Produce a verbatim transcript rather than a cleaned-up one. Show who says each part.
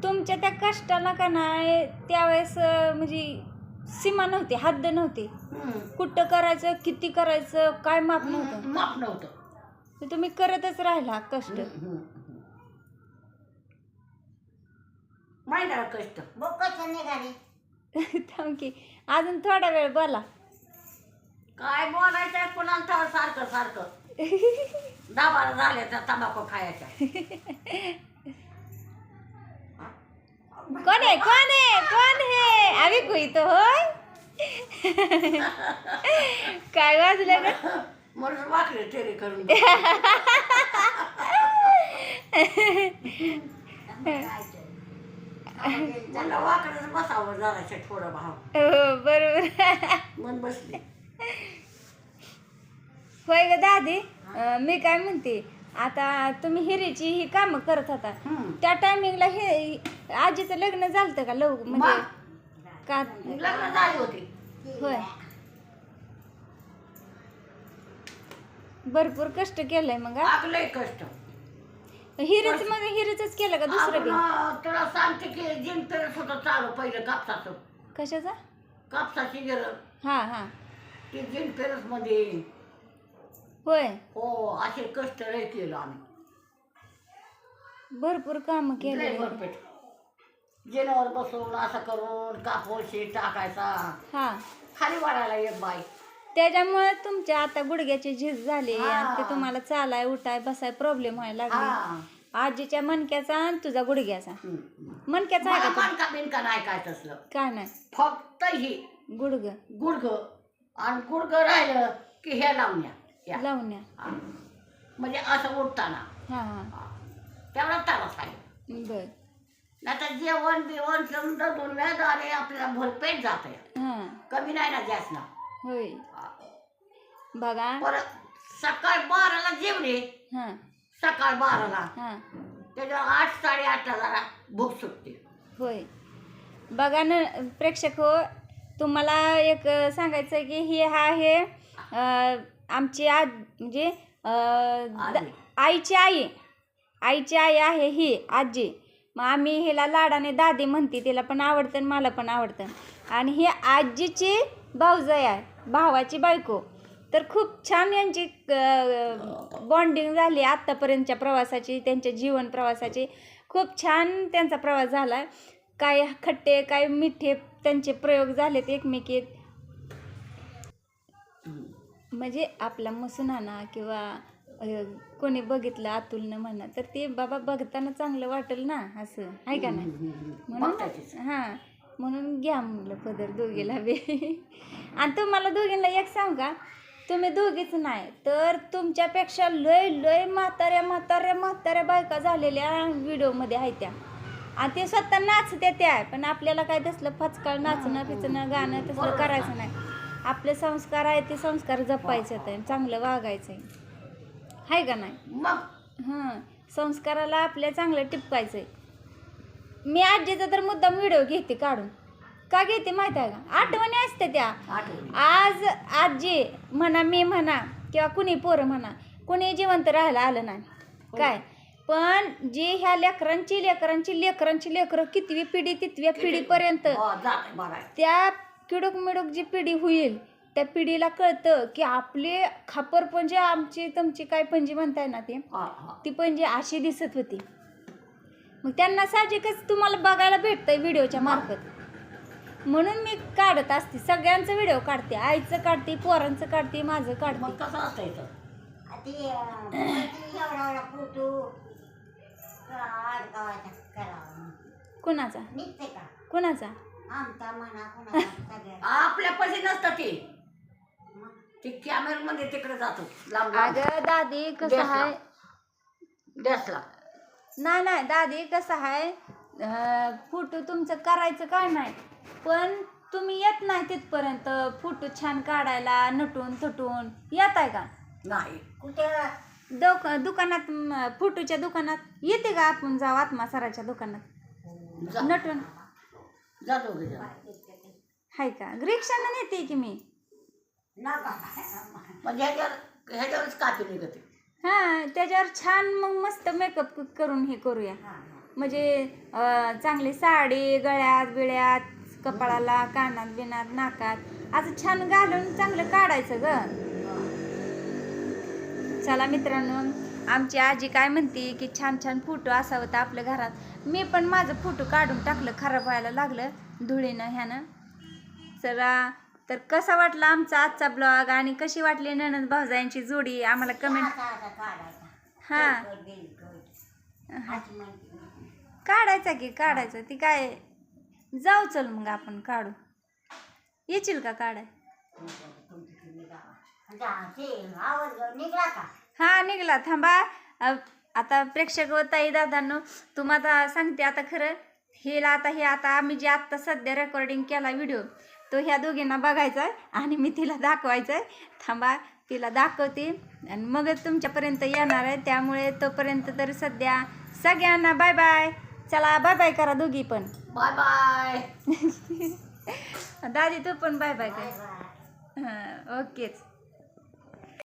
Speaker 1: तुमच्या त्या कष्टाला का नाही त्यावेळेस अं, म्हणजे सीमा नव्हती, हद्द नव्हती.
Speaker 2: हम्म.
Speaker 1: कुठं करायचं, किती करायचं, काय माप नव्हतं.
Speaker 2: माप नव्हतं.
Speaker 1: तर तुम्ही करतच राहिला कष्ट.
Speaker 2: माहिती आहे कष्ट
Speaker 3: बघ कसं निघाली.
Speaker 1: थांब की अजून थोडा वेळ बोला.
Speaker 2: काय बोलायचं पुन्हा सारखं सारखं दाबाला झाल्या त्या तंबाखू खायच्या.
Speaker 1: कोण आहे कोण आहे कोण आहे आम्ही कोई तो होय. काय वाजलं ग.
Speaker 2: म्हणून वाकले टेरी करून मला वाकडच बसावं जराशे थोडं भाव
Speaker 1: हो बरोबर.
Speaker 2: मन बसले.
Speaker 1: होय ग दादी. अं, मी काय म्हणते आता तुम्ही हिरीची ही कामं करत होता
Speaker 2: हम्म.
Speaker 1: त्या टायमिंगला हे आजीचं लग्न झालं का लव म्हणजे का
Speaker 2: लग्न झाली होती.
Speaker 1: होय भरपूर कष्ट केलंय मग हा?
Speaker 2: आगलंय कष्ट.
Speaker 1: हिरीच मग हिरीच केलं का दुसरं बी
Speaker 2: आपण तुला सांगते की जिन पेरत होतं चालू पहिलं कापसाचं.
Speaker 1: कशाचा
Speaker 2: कापसाची गिरं
Speaker 1: हा हा
Speaker 2: ती जिन पेरस मध्ये
Speaker 1: होय
Speaker 2: हो असे कष्ट लय केलं आम्ही.
Speaker 1: भरपूर काम
Speaker 2: लय
Speaker 1: केले
Speaker 2: भरपेट जिनावर बसून असं करून कापून शेत टाकायचा.
Speaker 1: हा
Speaker 2: खाली वाढायला एक बाई.
Speaker 1: त्याच्यामुळे तुमच्या आता गुडघ्याची झीज झाली
Speaker 2: हा.
Speaker 1: आणि ते तुम्हाला चालाय उठाय बसाय प्रॉब्लेम व्हायला
Speaker 2: हा
Speaker 1: लागले. आजीच्या मणक्याचा आणि तुझा गुडघ्याचा
Speaker 2: हम्म.
Speaker 1: मणक्याचा आहे
Speaker 2: मला
Speaker 1: का
Speaker 2: मानका बिनका नाही काय तसलं.
Speaker 1: काय नाही
Speaker 2: फक्त ही
Speaker 1: गुडघ
Speaker 2: गुडघ आणि गुडघ राहिलं की हे लावण्या या.
Speaker 1: लावण्या
Speaker 2: हा. म्हणजे असं उठताना
Speaker 1: हा हा
Speaker 2: तेवढा तारास आहे.
Speaker 1: बर
Speaker 2: नाही तर जेवण बिवण समजा दोन वेळा झाले आपल्याला भरपेट जात आहे.
Speaker 1: हा
Speaker 2: कमी नाही ना जास्त ना.
Speaker 1: होय बघा
Speaker 2: परत सकाळ बाराला जेवले
Speaker 1: हा
Speaker 2: सकाळ बाराला
Speaker 1: हा
Speaker 2: त्याच्यावर आठ साडेआठला जरा भूक सुटते.
Speaker 1: होय बघा ना प्रेक्षक हो तुम्हाला एक सांगायचं की हे हा हे अं, आमची आज म्हणजे अं, द-
Speaker 2: आजी.
Speaker 1: आईची आई आईची आई आहे ही आजी. मग आम्ही हिला लाडाने दादी म्हणते तिला पण आवडतं आणि मला पण आवडतं. आणि ही आजीची भाऊजाई आहे भावाची बायको. तर खूप छान यांची बॉन्डिंग झाली आत्तापर्यंतच्या प्रवासाची त्यांच्या जीवन प्रवासाची. खूप छान त्यांचा प्रवास झाला. काय खट्टे काय मिठे त्यांचे प्रयोग झालेत एकमेकीत. म्हणजे आपला मसुनाना किंवा अं, कोणी बघितलं अतुलनं म्हणा तर ते बाबा बघताना चांगलं वाटेल ना असं आहे का नाही म्हणून
Speaker 2: बघतातच.
Speaker 1: हां म्हणून घ्या म्हणलं पदर दोघीला बी. आणि तुम्हाला दोघींना एक सांग का तुम्ही दोघीच नाही तर तुमच्यापेक्षा लय लय म्हाताऱ्या म्हाताऱ्या म्हाताऱ्या बायका झालेल्या व्हिडिओमध्ये आहेत त्या. आणि ते स्वतः नाचते त्या पण आपल्याला काय तसलं फचकाळ नाचणं पिचणं गाणं तसलं करायचं नाही. आपले संस्कार आहे ते संस्कार जपायचे आहेत चांगलं वागायचं आहे आहे का नाही.
Speaker 2: मग
Speaker 1: हां संस्काराला आपल्या चांगलं टिपकायचं आहे. मी आजीचा तर मुद्दाम व्हिडिओ घेते काढून का घेते माहिती आहे का आठवणी असते त्या.
Speaker 2: आठवणी
Speaker 1: आज आजी म्हणा मी म्हणा किंवा कुणी पोरं म्हणा कुणी जिवंत राहायला आलं नाही काय पण जी ह्या लेकरांची लेकरांची लेकरांची लेकरं कितवी पिढी तितव्या पिढीपर्यंत
Speaker 2: हो, जाते बघायला.
Speaker 1: त्या किडूक मिडूक जी पिढी होईल त्या पिढीला कळतं की आपले खापर पणजी आमची तुमची काय पणजी म्हणताय ना ते
Speaker 2: हा, हा.
Speaker 1: ती पणजी अशी दिसत होती. मग त्यांना साहजिकच तुम्हाला बघायला भेटतंय व्हिडिओच्या मार्फत म्हणून मी काढत असते. सगळ्यांचं व्हिडिओ काढते आईचं काढते पोरांचं काढते माझं
Speaker 2: मग
Speaker 1: काढते.
Speaker 2: कसं असायचं.
Speaker 3: ती अं, ती एवढा एवढा फोटो गावाचा करावा
Speaker 1: कुणाचा
Speaker 3: निघते का
Speaker 1: कुणाचा
Speaker 3: आमचा म्हणा कुणाचा सगळ्या
Speaker 2: आपल्यापाशी नसतं ते ते कॅमेरामध्ये तिकडे जातो लांब लांब.
Speaker 1: अगं दादी कसं
Speaker 2: देसला.
Speaker 1: आहे
Speaker 2: देसला
Speaker 1: नाही नाही दादी कसं आहे फोटो तुमचं करायचं काय नाही पण तुम्ही येत नाही तिथपर्यंत फोटो छान काढायला नटून थटून येत आहे का
Speaker 2: नाही.
Speaker 3: कुठे
Speaker 1: दुक दुकानात म, फोटोच्या दुकानात येते का आपण जाऊ आत्मा सराच्या दुकानात
Speaker 2: जा
Speaker 1: नटून
Speaker 2: जा दोघे जण.
Speaker 1: हाय का रिक्षानं नेते की मी
Speaker 3: नका
Speaker 2: म्हणजे ह्याच्यावर ह्याच्यावरच कापी निघते.
Speaker 1: हां त्याच्यावर छान मग मस्त मेकअप करून हे करूया म्हणजे अं, चांगली साडी गळ्यात बिळ्यात कपाळाला कानात बिनात नाकात असं छान घालून चांगलं काढायचं ग. चला मित्रांनो, आमची आजी काय म्हणते की छान छान फोटो असावं तर आपल्या घरात. मी पण माझं फोटो काढून टाकलं, खराब व्हायला लागलं धुळीनं ह्यानं. चला तर कसा वाटला आमचा आजचा ब्लॉग आणि कशी वाटली नणंद भाऊजायांची जोडी आम्हाला कमेंट.
Speaker 3: असा असा काढायचा.
Speaker 1: हा
Speaker 3: कट बिल कट. अशी म्हणते मी.
Speaker 1: काढायचा की काढायचं ती काय. जाऊ चल मग आपण काढू. येशील का काढाय?
Speaker 3: तुमची तुम्ही गावा. जा, ते आवाज निघला का?
Speaker 1: हा निघाला. थांबा अ, आता प्रेक्षक व ताई दादांनो तुम्हाला सांगते आता खरं हेला आता हे आता आम्ही जे आत्ता सध्या रेकॉर्डिंग केला व्हिडिओ तो ह्या दोघींना बघायचा आहे आणि मी तिला दाखवायचं आहे. थांबा तिला दाखवते आणि मगच तुमच्यापर्यंत येणार आहे. त्यामुळे तोपर्यंत तर सध्या सगळ्यांना बाय बाय. चला बाय बाय करा दोघी पण.
Speaker 2: Bye bye.
Speaker 1: दादी तू पण बाय बाय
Speaker 3: बाय
Speaker 1: कर.
Speaker 3: बाय.
Speaker 1: हां ओकेच.